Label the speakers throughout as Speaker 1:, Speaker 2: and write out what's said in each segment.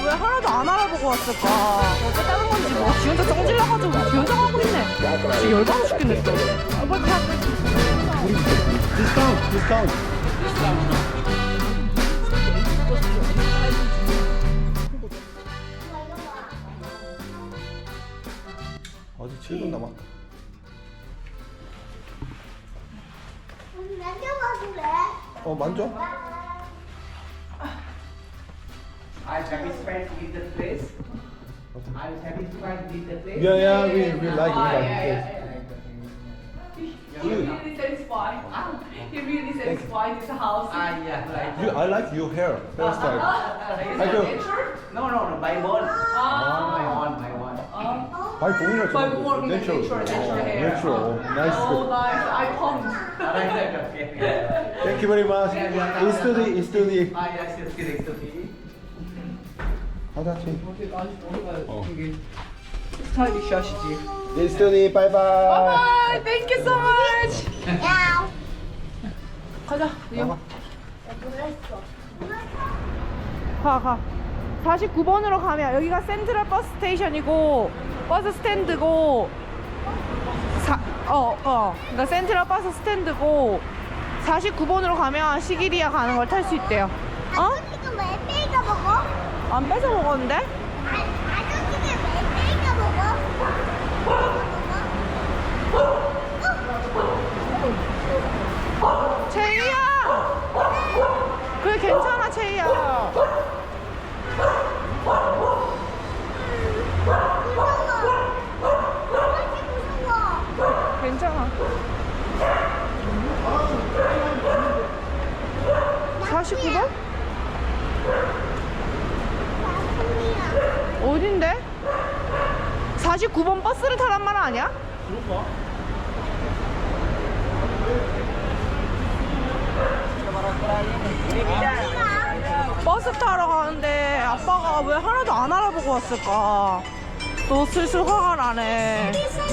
Speaker 1: 왜 하나도 안 알아보고 왔을까? 어쨌다는 건지 뭐 지 혼자 성질나가지고 지 혼자 가고 있네. 진짜 열받아 죽겠네 또. 빨리 가.
Speaker 2: 디스카운트. 아직 7분 남았다. 만져?
Speaker 3: Are you satisfied with the place? Are you satisfied with the place?
Speaker 2: Yeah, we like
Speaker 4: He really satisfied. He really satisfied with the house.
Speaker 3: Yeah, right.
Speaker 2: I like your hairstyle.
Speaker 3: Is
Speaker 2: I
Speaker 3: it
Speaker 2: do.
Speaker 3: nature? No, by one. By one.
Speaker 2: 아니 동이랑
Speaker 4: By one, natural hair.
Speaker 2: Natural. Nice.
Speaker 4: Oh, nice. I pumped.
Speaker 3: Right, okay.
Speaker 2: Thank you very much. 이스터디.
Speaker 3: Yes, correct. Okay.
Speaker 2: 하다치.
Speaker 3: 스타일리시 하시지.
Speaker 2: 이스터디 바이바이.
Speaker 4: Bye. Thank you so much. 가자. 리오.
Speaker 1: 가. 49번으로 가면 여기가 센트럴 버스 스테이션이고 버스 스탠드고 그러니까 센트럴 버스 스탠드고 49번으로 가면 시기리아 가는 걸 탈 수 있대요.
Speaker 5: 아저씨가 왜 빼가 먹어?
Speaker 1: 안 뺏어 먹었는데?
Speaker 5: 아저씨가 왜 빼가 먹어?
Speaker 1: 채희야! 그래 괜찮아 채희야.
Speaker 5: 무서워.
Speaker 1: 괜찮아. 49번? 어딘데? 49번 버스를 타란 말 아니야? 버스 타러 가는데 아빠가 왜 하나도 안 알아보고 왔을까? 또 슬슬 화가 나네.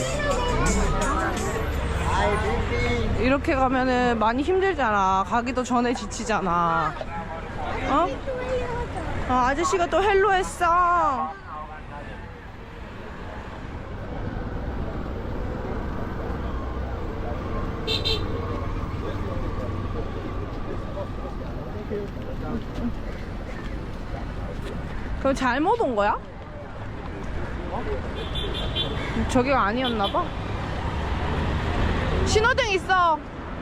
Speaker 1: 이렇게 가면은 많이 힘들잖아. 가기도 전에 지치잖아. 어? 아저씨가 또 헬로 했어. 그럼 잘못 온 거야? 저기가 아니었나봐. 신호등 있어.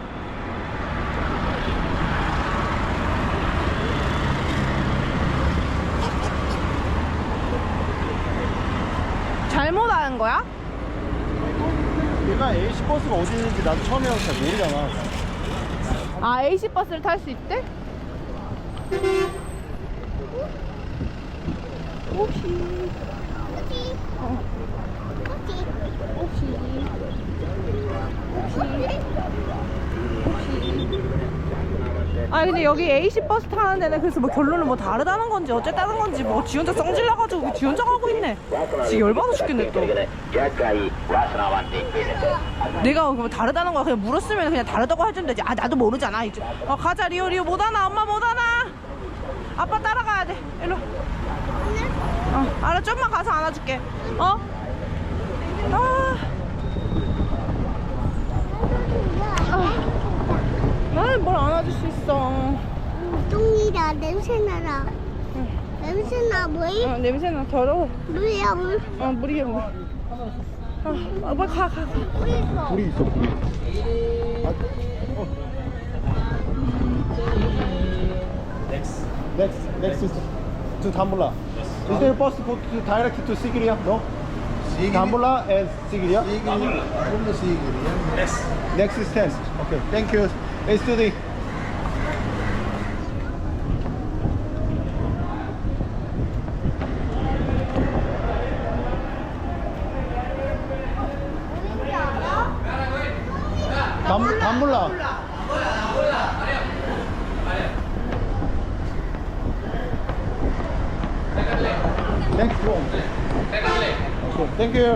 Speaker 1: 잘못 하는 거야?
Speaker 2: 얘가 AC 버스가 어디 있는지 나도 처음에 와서 잘 모르잖아.
Speaker 1: 아, AC 버스를 탈 수 있대? 아니 근데 여기 AC 버스 타는 데는 그래서 뭐 결론은 뭐 다르다는 건지 어쨌다는 건지 뭐 지 혼자 성질나가지고 지 혼자 가고 있네. 진짜 열받아 죽겠네 또. 내가 뭐 다르다는 거야 그냥 물었으면 그냥 다르다고 해주면 되지. 아 나도 모르잖아 이제. 가자 리오 못하나 엄마 못하나. 아빠 따라가야 돼. 일로. 알아 좀만 가서 안아줄게. 나는 뭘 안아줄 수 있어.
Speaker 5: 똥이다 냄새나라. 냄새나 뭐이?
Speaker 1: 냄새나 더러워.
Speaker 5: 물이야 물.
Speaker 1: 물이야 물. 빨리 가.
Speaker 2: 불이 있어, 불이. Next is to Dambulla. Is there a bus to direct to Sigiriya? No? Dambulla and Sigiriya?
Speaker 6: From the Sigiriya.
Speaker 2: Next is 10. Okay, thank you. Let's do the. Dambulla. Next one. Okay, thank you.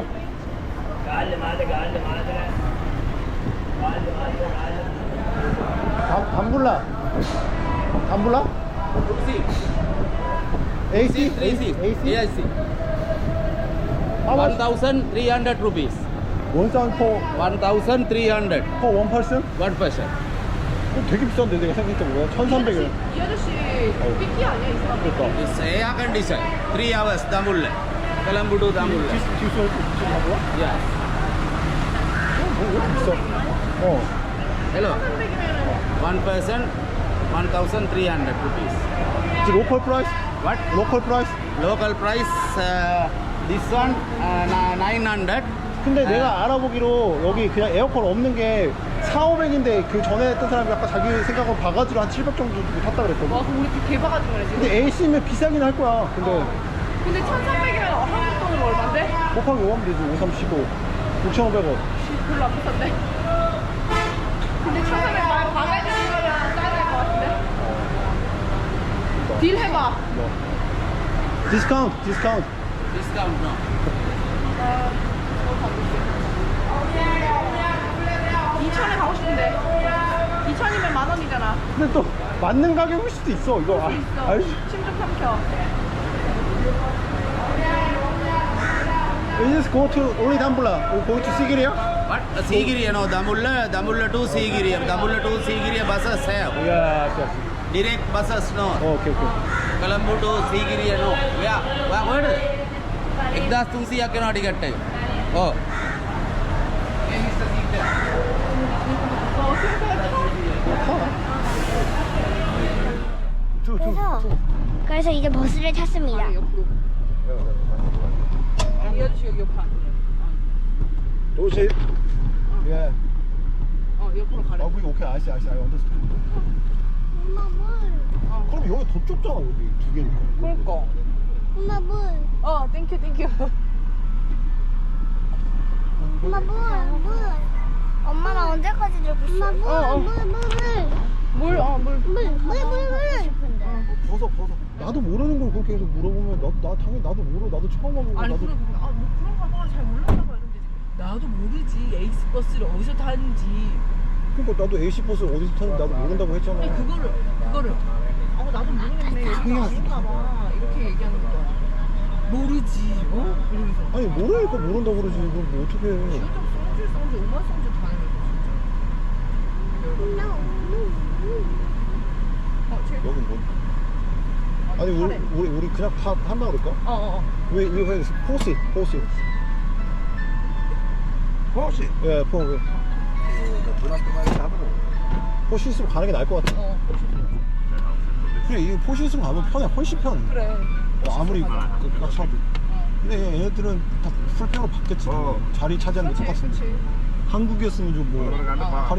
Speaker 2: Dambulla. AC?
Speaker 7: Three seats.
Speaker 2: AC?
Speaker 7: AC.
Speaker 2: How much?
Speaker 7: 1,300 rupees.
Speaker 2: 1,000 for
Speaker 7: 1,300.
Speaker 2: one person?
Speaker 7: One person.
Speaker 2: 되게 비싼데 내가 생각했던 거야. 1,300원.
Speaker 1: 이 아저씨 삐끼 아니야 이 사람?
Speaker 2: 그러니까.
Speaker 7: It's air condition. 3 hours. Dambulla. Colombo to Dambulla.
Speaker 2: 뒤수할 수 있지 뭐야?
Speaker 7: Yes.
Speaker 2: 왜 이렇게 비싸?
Speaker 7: Hello. One person. 1,300 rupees.
Speaker 2: It's local price?
Speaker 7: What?
Speaker 2: Local price?
Speaker 7: Local price. This one 900.
Speaker 2: 근데 내가 알아보기로 여기 그냥 에어컨 없는 게 4,500인데 그 전에 했던 사람이 아까 자기 생각으로 바가지로 한 700 정도 주고 탔다 그랬거든.
Speaker 1: 와 그럼 우리 개바가지 거네 지금.
Speaker 2: 근데 AC면 비싸긴 할 거야. 근데
Speaker 1: 근데 1,300이면 한국 돈으로 얼마인데?
Speaker 2: 곱하기 5하면 되지. 5, 3, 15. 6,500원.
Speaker 1: 별로 안 비싼데? 근데 1,300 말고 바가지 거랑 싸야 될 것 같은데? 딜 해봐.
Speaker 2: 뭐. 디스카운트, 디스카운트.
Speaker 7: Discount no.
Speaker 1: 2,000에 가고 싶은데 2,000이면 10,000원이잖아.
Speaker 2: 근데 또 맞는 가격일 수도 있어. 이거 알지?
Speaker 1: 심좀 삼켜.
Speaker 2: We just go to only Dambulla. We go to Sigiriya?
Speaker 7: What? Sigiriya no. Dambulla to Sigiriya. Dambulla to Sigiriya buses have.
Speaker 2: Yeah, yes.
Speaker 7: Direct buses no.
Speaker 2: Okay, okay.
Speaker 7: Colombo to Sigiriya no. Where? एकदाच तुमची या केना टिकट है ओ
Speaker 5: 그래서 이제 버스를 탔습니다.
Speaker 1: 옆으로. 이 아저씨 여기 옆에.
Speaker 2: 도시. Yeah.
Speaker 1: 옆으로 가래.
Speaker 2: 아, 그게 오케이. I understand.
Speaker 5: 엄마 물.
Speaker 2: 그럼 여기 더 좁잖아, 여기 두 개니까.
Speaker 1: 그러니까.
Speaker 5: 엄마 물.
Speaker 1: 땡큐.
Speaker 5: 엄마 물. 엄마는 언제까지 들고 있어? 엄마 물.
Speaker 2: 벗어. 나도 모르는 걸 그렇게 계속 물어보면 나 당연히 나도 모르. 나도 처음 와보고
Speaker 1: 아니
Speaker 2: 나도.
Speaker 1: 그런가 봐. 잘 몰랐나 봐 이러면 되지. 나도 모르지. 에이스 버스를 어디서 타는지.
Speaker 2: 그러니까 나도 AC 버스 어디서 타는지 나도 모른다고 했잖아.
Speaker 1: 아니 그거를. 나도 모르겠네. 여기가 아닌가 봐. 이렇게 얘기하는 거야. 모르지. 이러면서.
Speaker 2: 아니 모르니까 모른다고 그러지. 이건 뭐 어떻게 해.
Speaker 1: 성질 오만성질 다 해면서
Speaker 2: 여긴 뭐? 아니 우리 그냥 한다 그럴까? We have 포시. 예, 포시. 포시 있으면 가는 게 나을 것 같아. 그래, 이 포시 있으면 가면 편해. 훨씬 편해.
Speaker 1: 그래.
Speaker 2: 아무리 깍차도. 근데 얘네들은 다 풀평으로 바뀌었지. 자리 차지하는 게 똑같은데.
Speaker 1: 그치.
Speaker 2: 한국이었으면 좀 뭐 할인.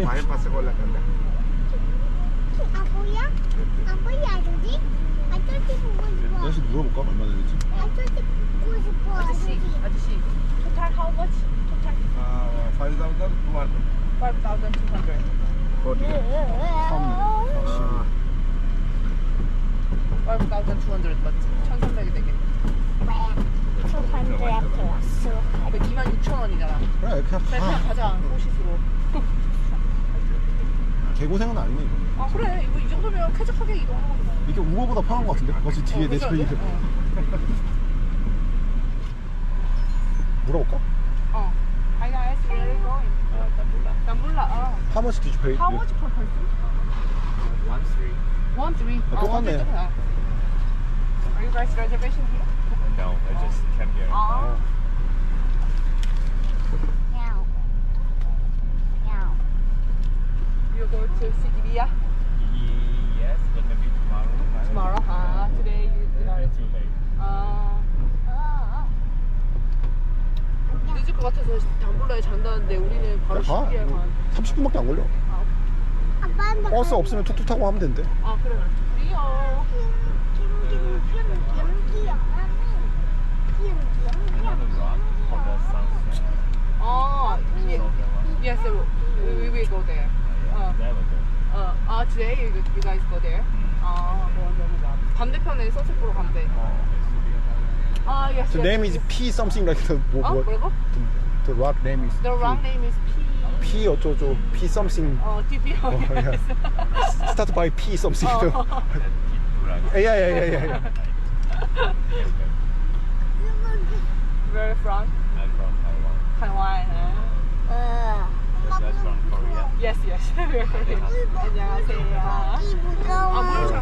Speaker 5: 아버야 아저씨? 아저씨 보고 싶어.
Speaker 2: 아저씨 물어볼까? 얼마나 되지?
Speaker 5: 아저씨 보고 싶어.
Speaker 1: 아저씨 토탈 how much? 토탈 5,200 5,200 맞지? 1,300이 되게
Speaker 5: 200 플러스.
Speaker 1: 26,000원이잖아.
Speaker 2: 그래,
Speaker 1: 그냥 가자 호시스로.
Speaker 2: 개고생은 아니네 이거.
Speaker 1: 그래 이거 이 정도면 쾌적하게 이동하는 거지 뭐.
Speaker 2: 이게 우버보다 편한 것 같은데? 버스 뒤에 내 자리. 물어볼까?
Speaker 1: Hi guys, where are you going? Dambulla.
Speaker 2: How much did you pay?
Speaker 1: How much per person? 1,300.
Speaker 2: 똑같네.
Speaker 1: Are you guys reservation here?
Speaker 8: No, I just came here.
Speaker 1: You go to Sigiriya
Speaker 8: Yes, but maybe tomorrow.
Speaker 1: tomorrow. Today you are.
Speaker 8: Too late.
Speaker 1: 늦을 것 같아서 담블라에 잔다는데 우리는 바로
Speaker 2: 가.
Speaker 1: 시기에 한.
Speaker 2: 30분밖에 안 걸려.
Speaker 5: 아빠
Speaker 2: 버스 없으면 툭툭 타고 하면 된대.
Speaker 1: 그래. 리어. Yes, we will go there.
Speaker 8: There we go.
Speaker 1: Today you guys go there. 반대편에 선셋 보러 간대. Yes.
Speaker 2: The name is P something like the
Speaker 1: 뭐라고?
Speaker 2: The rock name is
Speaker 1: The wrong name is P.
Speaker 2: P 어쩌고 P something.
Speaker 1: TP.
Speaker 2: Start by P something. Yeah.
Speaker 8: Where from? I'm from Taiwan.
Speaker 4: Taiwan.
Speaker 8: That's from Korea.
Speaker 4: Yes, yes. 안녕하세요.
Speaker 5: 무거워.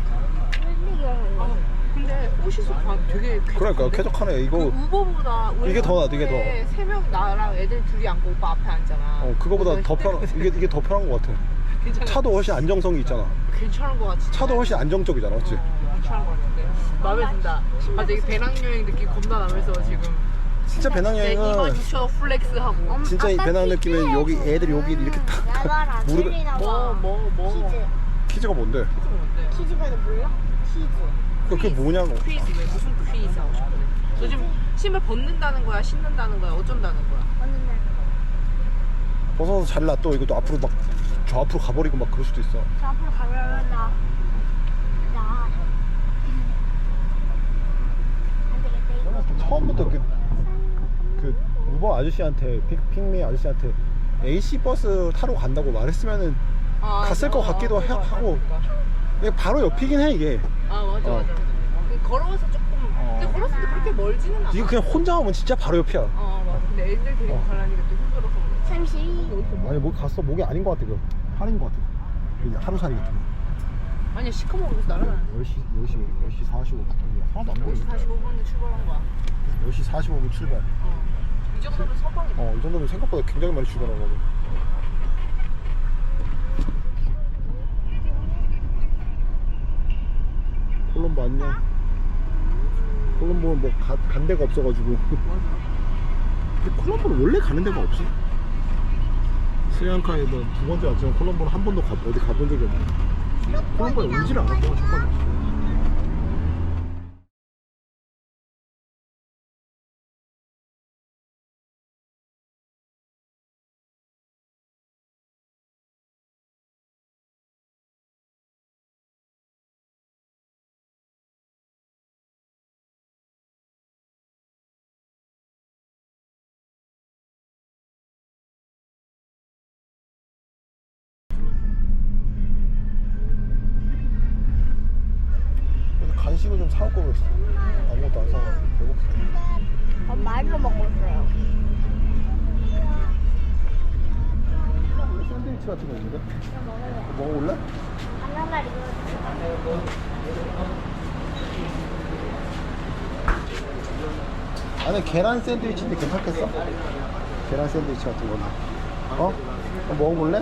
Speaker 4: 근데 옷이서 되게
Speaker 2: 그러니까 쾌적하네. 이거
Speaker 4: 우버보다
Speaker 2: 이게 더 나아, 이게 더.
Speaker 4: 세명 나랑 애들 둘이 앉고 오빠 앞에 앉잖아.
Speaker 2: 그거보다 더 편한 이게 더 편한 것 같아.
Speaker 4: 괜찮아.
Speaker 2: 차도 훨씬 안정성이 있잖아.
Speaker 4: 괜찮은 거 같지.
Speaker 2: 차도 훨씬 안정적이잖아, 맞지?
Speaker 4: 괜찮은 거 같은데. 마음에 든다. 갑자기 배낭여행 느낌 겁나 나면서 지금.
Speaker 2: 진짜 배낭여행은
Speaker 4: 26,000원 플렉스하고.
Speaker 2: 진짜 이 배낭 느낌은 여기 애들이 여기 이렇게 딱 무릎에
Speaker 4: 뭐.
Speaker 2: 키즈가 뭔데?
Speaker 5: 키즈가 몰라? 키즈.
Speaker 2: 그게 뭐냐고.
Speaker 4: 퀴즈 왜 무슨 퀴즈 하고 싶어? 너 지금 신발 벗는다는 거야? 신는다는 거야? 어쩐다는 거야?
Speaker 5: 어느 날.
Speaker 2: 벗어서 잘라 또 이것도 앞으로 막 저 앞으로 가버리고 막 그럴 수도 있어.
Speaker 5: 저 앞으로 가려면 나. 안 되겠다. 이거.
Speaker 2: 처음부터 그 우버 아저씨한테 픽미 아저씨한테 AC 버스 타러 간다고 말했으면은 갔을 것 같기도 하고. 이게 바로 옆이긴 해 이게.
Speaker 4: 맞아. 걸어와서 조금. 근데 걸었을 때 그렇게 멀지는 않아.
Speaker 2: 이거 그냥 혼자 오면 진짜 바로 옆이야.
Speaker 4: 맞아. 근데 애들 데리고 가려니까 또 힘들어서.
Speaker 5: 32.
Speaker 2: 아니 뭐 갔어 목이 아닌 것 같아. 그 팔인 것 같아. 그냥 하루살이 같은 거.
Speaker 4: 아니야 시커먼 거 날아가는
Speaker 2: 10시 45분 하나도 안 보여.
Speaker 4: 10시 45분에 출발한 거야.
Speaker 2: 10시 45분 출발.
Speaker 4: 이 정도면 서방이다.
Speaker 2: 이 정도면 생각보다 굉장히 많이 출발한 거거든. 콜롬보 안녕. 콜롬보는 뭐 간 데가 없어가지고. 근데 콜롬보는 원래 가는 데가 없어. 스리랑카에 뭐 2번째 왔지만 콜롬보는 한 번도 어디 가본 적이 없네. 콜롬보에 오지를 않았던 첫 번째. 간식을 좀 사올 걸 그랬어. 아무것도 안 사고 배고프다.
Speaker 5: 말로 먹었어요.
Speaker 2: 샌드위치 같은 거 있는데? 먹어볼래?
Speaker 5: 바나나 이거.
Speaker 2: 안에 계란 샌드위치인데 괜찮겠어? 계란 샌드위치 같은 거는. 한번 먹어볼래?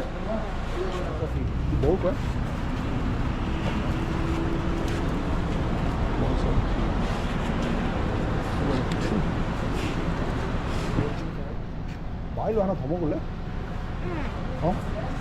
Speaker 2: 먹을 거야? 마일로 하나 더 먹을래? 응.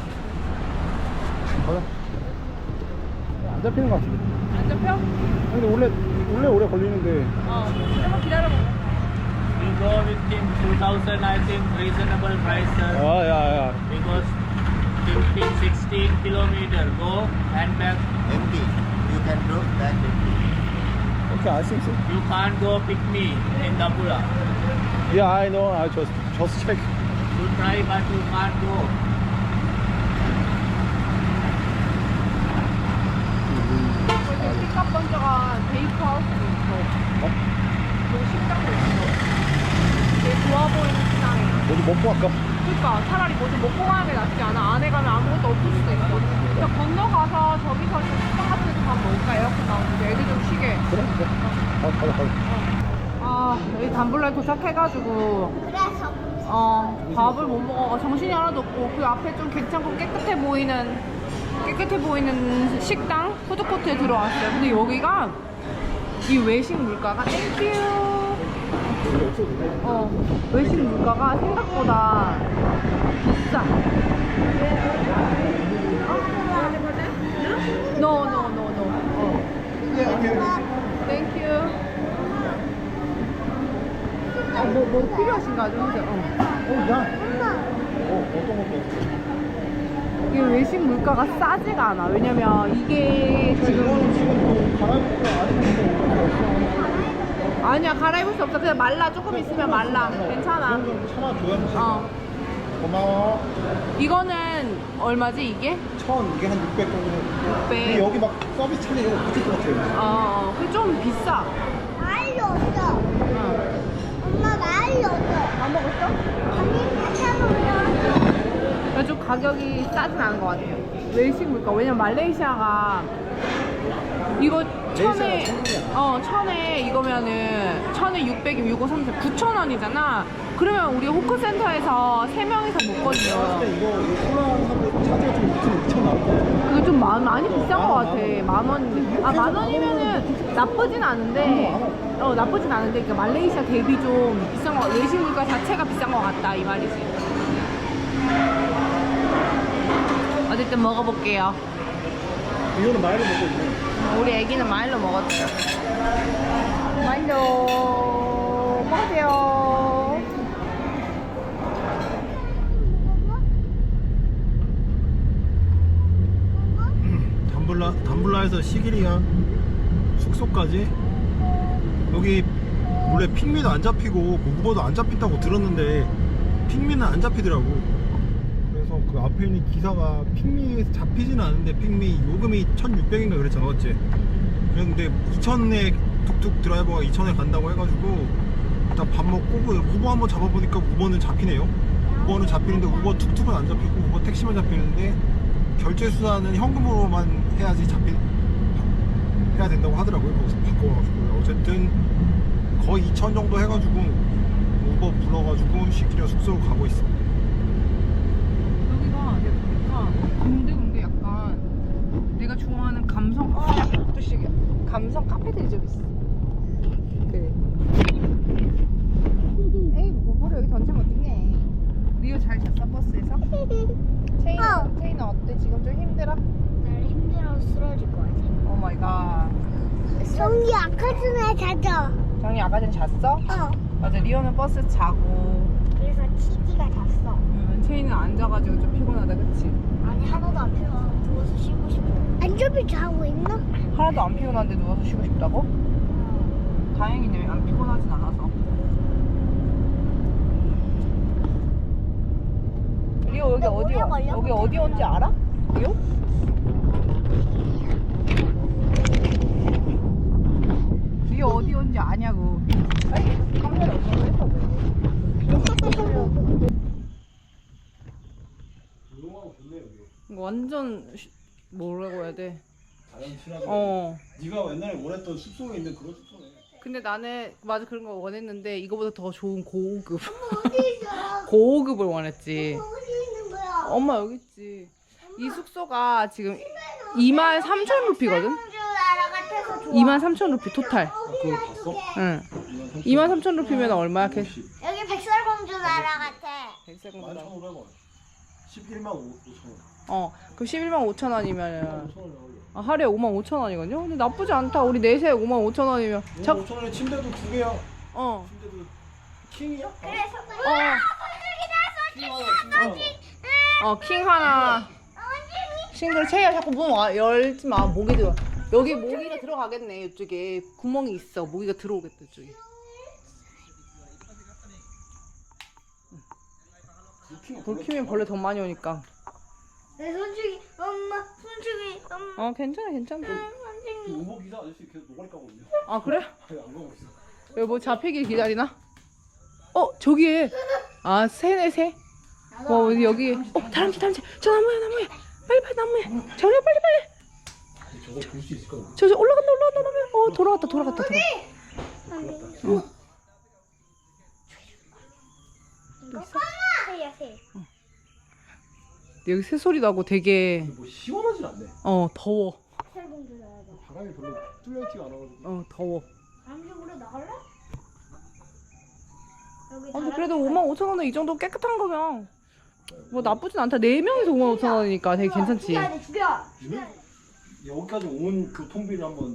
Speaker 2: 가자. 안 잡히는 것 같은데.
Speaker 4: 안 잡혀?
Speaker 2: 근데 원래 오래 걸리는데.
Speaker 4: 조금만 기다려봐.
Speaker 3: You go with him 2000, I think reasonable price, sir.
Speaker 2: 야.
Speaker 3: Because 15, 16 kilometer go and back empty. You can go back empty.
Speaker 2: Okay, I think so.
Speaker 3: You can't go pick me in Dapura.
Speaker 2: Yeah, I know. I just check.
Speaker 3: You try but you can't go.
Speaker 4: 픽업 번저가 베이크하우스도 있어. 여기 식당도 있어. 되게 좋아 보이는 식당이야.
Speaker 2: 뭐좀 먹고 갈까?
Speaker 4: 그러니까 차라리 뭐 좀 먹고 가는 게 낫지 않아? 안에 가면 아무것도 없을 수도 있어. 그냥 건너가서 저기서 좀 식당 같은 데서 밥 먹을까? 에어컨 나오는데 애들 좀 쉬게.
Speaker 2: 그래. 가자.
Speaker 4: 여기 담블라에 도착해가지고
Speaker 5: 그래서
Speaker 4: 밥을 못 먹어. 정신이 하나도 없고 그 앞에 좀 괜찮고 깨끗해 보이는 식당 푸드코트에 들어왔어요. 근데 여기가 이 외식 물가가 땡큐. 외식 물가가 생각보다 비싸. No. 땡큐. 뭐 필요하신가 좀 해주세요.
Speaker 2: 어떤 것도
Speaker 4: 이게 외식 물가가 싸지가 않아. 왜냐면 이게 지금 아니야 갈아입을 수 없어. 그냥 말라. 조금 있으면 말라. 괜찮아.
Speaker 2: 참아줘야지. 고마워.
Speaker 4: 이거는 얼마지 이게?
Speaker 2: 1000 이게 한 600 정도.
Speaker 4: 600.
Speaker 2: 근데 여기 막 서비스 차리 이런 거 붙을 것 같아요.
Speaker 4: 그게 좀 비싸. 가격이 싸진 않은 것 같아요. 외식 물가. 왜냐면 말레이시아가 이거 천에 이거면은 1,600이면 6,530 9,000원이잖아. 그러면 우리 호크센터에서 3명이서 먹거든요.
Speaker 2: 이거 콜라하고 차지가 좀 2,000 나올 거야.
Speaker 4: 그게 좀 많이 비싼 것 같아. 10,000원인데. 10,000원이면은 나쁘진 않은데, 나쁘진 않은데, 그러니까 말레이시아 대비 좀 비싼 거, 외식 물가 자체가 비싼 것 같다, 이 말이지. 어쨌든 먹어볼게요.
Speaker 2: 이거는 마일로 먹고 있네.
Speaker 4: 우리 애기는 마일로 먹었어요. 마일로 먹으세요.
Speaker 2: 담블라에서 시기리아 숙소까지 여기 원래 핑미도 안 잡히고 무버도 안 잡힌다고 들었는데 핑미는 안 잡히더라고. 그래서 그 앞에 있는 기사가 핑미에서 잡히지는 않은데 핑미 요금이 1,600인가 그랬잖아, 맞지? 그런데 2,000에 툭툭 드라이버가 2,000에 간다고 해가지고 일단 밥 먹고 그 우버 한번 잡아보니까 우버는 잡히네요. 우버는 잡히는데 우버 툭툭은 안 잡히고 우버 택시만 잡히는데 결제 수단은 현금으로만 해야지 해야 된다고 하더라고요. 거기서 바꿔가지고 어쨌든 거의 2,000 정도 해가지고 우버 불러가지고 시키려 숙소로 가고 있어.
Speaker 4: 여기가 내가 보니까 근데 약간 내가 좋아하는 감성 뜻이야. 감성 카페들이 좀 있어. 그래. 에이 뭐를 여기 던지면 어떡해. 리오 잘 잤어 버스에서? 체인은 어때? 지금 좀 힘들어?
Speaker 5: 날 힘들어서 쓰러질 것 같아.
Speaker 4: 오 마이 갓.
Speaker 5: 성기 아까 전에 자죠.
Speaker 4: 정이 아까 전에 잤어?
Speaker 5: 어.
Speaker 4: 맞아 리오는 버스 자고
Speaker 5: 그래서 치즈가 잤어.
Speaker 4: 체인은 앉아가지고 좀 피곤하다 그치?
Speaker 5: 아니 하나도 안 피곤해. 누워서 쉬고 싶어. 안전비 자고 있나?
Speaker 4: 하나도 안 피곤한데 누워서 쉬고 싶다고? 다행이네 안 피곤하진 않아서. 리오 여기 어디야? 여기 어디 온지 알아? 리오? 리오 어디 온지 아냐고. 빨리 카메라 없어서 했어.
Speaker 2: 조용하고 좋네 여기.
Speaker 4: 이거 완전 뭐라고 해야 돼?
Speaker 2: 자연 친화적. 네가 옛날에 원했던 숲속에 있는 그런 숲속네.
Speaker 4: 근데 나는 맞아 그런 거 원했는데 이거보다 더 좋은 고급
Speaker 5: 어디 있어?
Speaker 4: 고급을 원했지.
Speaker 5: 어디 있는 거야?
Speaker 4: 엄마 여기 있지. 이 숙소가 지금 23,000루피거든?
Speaker 5: 공주 나라 같아서 좋아.
Speaker 4: 23,000루피 토탈.
Speaker 2: 그걸 봤어?
Speaker 4: 응. 23,000루피면 얼마야?
Speaker 5: 여기 백설공주 나라 같아.
Speaker 4: 100세군다.
Speaker 2: 11,500원. 11만 5천 원.
Speaker 4: 그럼 11만 5천 원이면
Speaker 2: 5천 원이
Speaker 4: 하루에 5만 5천 원이거든요? 근데 나쁘지 않다. 우리 넷에 5만 5천 원이면
Speaker 2: 5천 원에 침대도 2개야.
Speaker 4: 어.
Speaker 2: 침대도 킹이야?
Speaker 5: 그래서
Speaker 4: 킹 하나. 친구들 채야 자꾸 문 열지 마. 모기 들어. 여기 모기가 들어가겠네. 이쪽에 구멍이 있어. 모기가 들어오겠다. 이쪽에. 불 켜면 벌레 더 많이 오니까.
Speaker 5: 내 손주기 엄마 손주기 엄마
Speaker 4: 괜찮아.
Speaker 5: 손주기.
Speaker 2: 우버 기사 아저씨 계속 노가리 까고 있네.
Speaker 4: 아 그래?
Speaker 2: 아니 안 가고 있어.
Speaker 4: 여기 뭐 잡히길 기다리나? 저기에 새네 새. 여기 다람쥐 저 나무에 빨리 나무에 정리야 빨리
Speaker 2: 저거 볼 수 있을까?
Speaker 4: 저 올라간다 나무에 돌아갔다 여기 새소리 나고 되게
Speaker 2: 뭐 시원하진 않네.
Speaker 4: 더워.
Speaker 5: 백설공주 나라.
Speaker 2: 바람이 별로 뚫려있지가 않아가지고.
Speaker 4: 더워.
Speaker 5: 잠시 우리 나갈래? 여기
Speaker 4: 근데 그래도 55,000원에 이 정도 깨끗한 거면 뭐 나쁘진 않다. 4명이서 55,000원이니까 되게 괜찮지.
Speaker 5: 죽여.
Speaker 2: 여기까지 온 교통비를 한번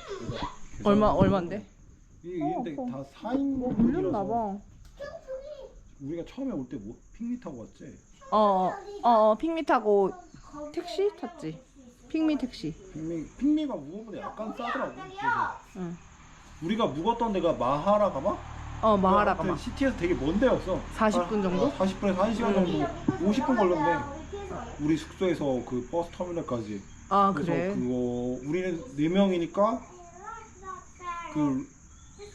Speaker 4: 얼마인데?
Speaker 2: 이게 근데 다 4인
Speaker 4: 물렸나봐.
Speaker 2: 우리가 처음에 올 때 뭐 핑미 타고 왔지?
Speaker 4: 핑미 타고 택시 탔지. 핑미 택시.
Speaker 2: 핑미가 무거보다 약간 싸더라고. 그래서
Speaker 4: 응.
Speaker 2: 우리가 묵었던 데가 마하라가마?
Speaker 4: 마하라가마.
Speaker 2: 시티에서 되게 먼 데였어.
Speaker 4: 40분 정도?
Speaker 2: 40분에서 1시간 정도 50분 걸렸네. 우리 숙소에서 그 버스 터미널까지. 그래서
Speaker 4: 그래.
Speaker 2: 그거 우리는 4명이니까 그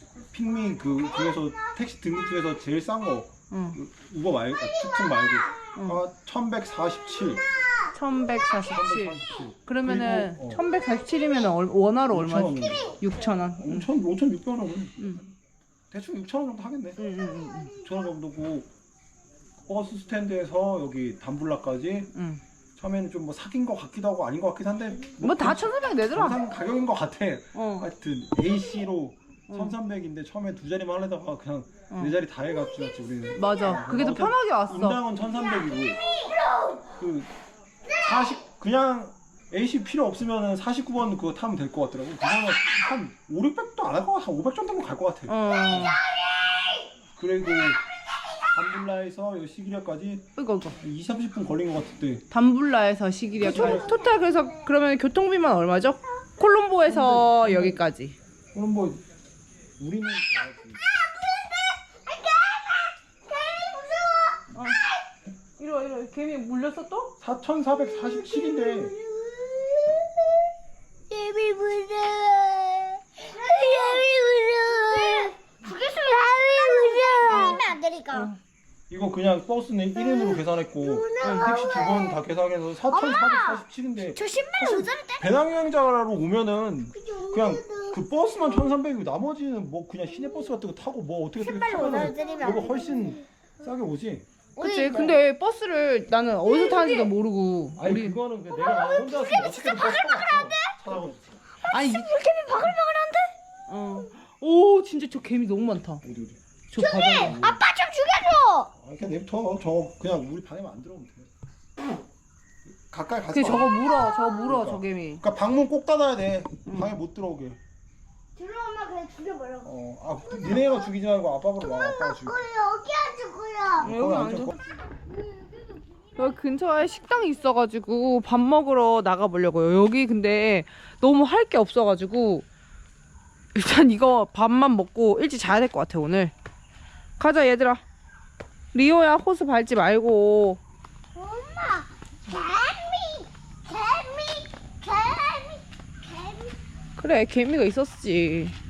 Speaker 2: 핑미 그 중에서 택시 등급 중에서 제일 싼 거
Speaker 4: 응.
Speaker 2: 우버 말고 툭툭 말고 1147.
Speaker 1: 1147. 그러면은
Speaker 2: 그리고,
Speaker 1: 1147이면 원화로 얼마?
Speaker 2: 6,000원.
Speaker 1: 6,000원.
Speaker 2: 5,600원은 대충 6,000원 정도 하겠네. 6,000원 정도고 버스 스탠드에서 여기 담블라까지 처음에는 좀 뭐 사귄 거 같기도 하고 아닌 것 같긴 한데
Speaker 1: 뭐 다 1,400 내더라.
Speaker 2: 정상 가격인 것 같아. 하여튼 AC로
Speaker 1: 어.
Speaker 2: 1,300인데 처음에 두 자리만 하려다가 그냥 네 자리 다 해가지고 우리는.
Speaker 1: 맞아. 그게 더 편하게 왔어.
Speaker 2: 인당은 1,300이고 그 40 그냥 AC 필요 없으면은 49번 그거 타면 될 것 같더라고. 그거는 한 5, 600도 안 할 것 같아. 한 500 정도면 갈 것 같아. 그리고 담블라에서 여기 시기리아까지
Speaker 1: 이거
Speaker 2: 20, 30분 걸린 것 같은데.
Speaker 1: 담블라에서 시기리아까지. 토탈 그래서 그러면 교통비만 얼마죠? 콜롬보에서 여기까지.
Speaker 2: 그럼 뭐 우리는
Speaker 1: 이러 개미 물렸어 또?
Speaker 2: 4,447인데
Speaker 5: 예비 무서워. 예비 무서워. 예비 무서워. 안 되니까.
Speaker 2: 이거 그냥 버스는 1인으로 계산했고 택시 두 번 다 계산해서 4,447인데
Speaker 5: 저 신발 모자를 떼.
Speaker 2: 배낭여행자로 오면은 그냥 그 버스만 1,300이고 나머지는 뭐 그냥 시내버스 같은 거 타고 뭐 어떻게 타면은 이거 훨씬 싸게 오지.
Speaker 1: 그치. 근데 버스를 나는 어디서 타는지도 모르고.
Speaker 2: 아니 그거는 내가 혼자 왔으면 어떻게든 버스 타고 찾아가지고.
Speaker 1: 아니 개미 바글바글한데? 오 진짜 저 개미 너무 많다.
Speaker 2: 어디
Speaker 1: 저 바닥에.
Speaker 5: 아빠 좀 죽여줘.
Speaker 2: 그냥 냅둬. 저 그냥 우리 방에만 안 들어오면 돼. 가까이 가지
Speaker 1: 그
Speaker 2: 마.
Speaker 1: 저거 물어
Speaker 2: 그러니까.
Speaker 1: 저 개미.
Speaker 2: 그러니까 방문 꼭 닫아야 돼. 방에 못 들어오게.
Speaker 5: 들어오면 그냥 죽여버려.
Speaker 2: 니네가 죽이지 말고 아빠가 와. 아빠가 죽여.
Speaker 5: 여기 앉을 거야.
Speaker 1: 여기 앉아. 여기 근처에 식당이 있어가지고 밥 먹으러 나가보려고요. 여기 근데 너무 할 게 없어가지고 일단 이거 밥만 먹고 일찍 자야 될 것 같아 오늘. 가자 얘들아. 리오야 호수 밟지 말고.
Speaker 5: 엄마, 개미.
Speaker 1: 그래 개미가 있었지.